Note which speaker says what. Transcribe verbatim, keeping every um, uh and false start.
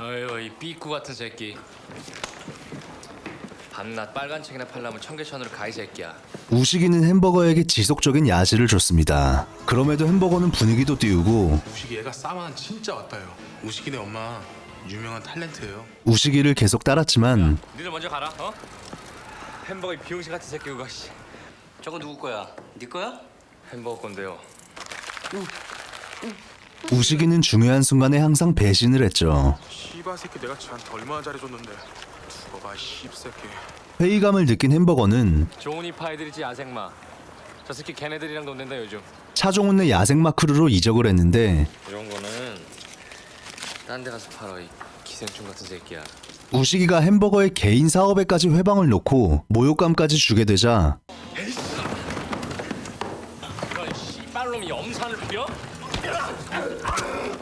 Speaker 1: 어휴, 이 삐꾸 같은 새끼. 밤낮 빨간 책이나 팔려면 청계천으로 가, 이 새끼야.
Speaker 2: 우식이는 햄버거에게 지속적인 야지를 줬습니다. 그럼에도 햄버거는 분위기도 띄우고
Speaker 3: 우식이 얘가 싸만 진짜 왔다요. 우식이네 엄마 유명한 탤런트예요.
Speaker 2: 우식이를 계속 따랐지만
Speaker 1: 니들 먼저 가라, 어? 햄버거 이 비용신 같은 새끼 그거, 씨.
Speaker 4: 저거 누구 거야? 네 거야?
Speaker 1: 햄버거 건데요.
Speaker 2: 우식이는 중요한 순간에 항상 배신을 했죠.
Speaker 3: 씨바 새끼 내가 쟤한테 얼마나 잘해줬는데. 두고 봐 씹새끼.
Speaker 2: 회의감을 느낀 햄버거는
Speaker 1: 좋은 이파이들이지, 야생마. 저 새끼 걔네들이랑 논댄다 요즘.
Speaker 2: 차종훈네 야생마 크루로 이적을 했는데
Speaker 1: 이런 거는 딴 데 가서 팔아, 이 기생충 같은 새끼야.
Speaker 2: 우식이가 햄버거의 개인 사업에까지 회방을 놓고 모욕감까지 주게 되자
Speaker 1: 이런 씨발놈이 염산을 부려?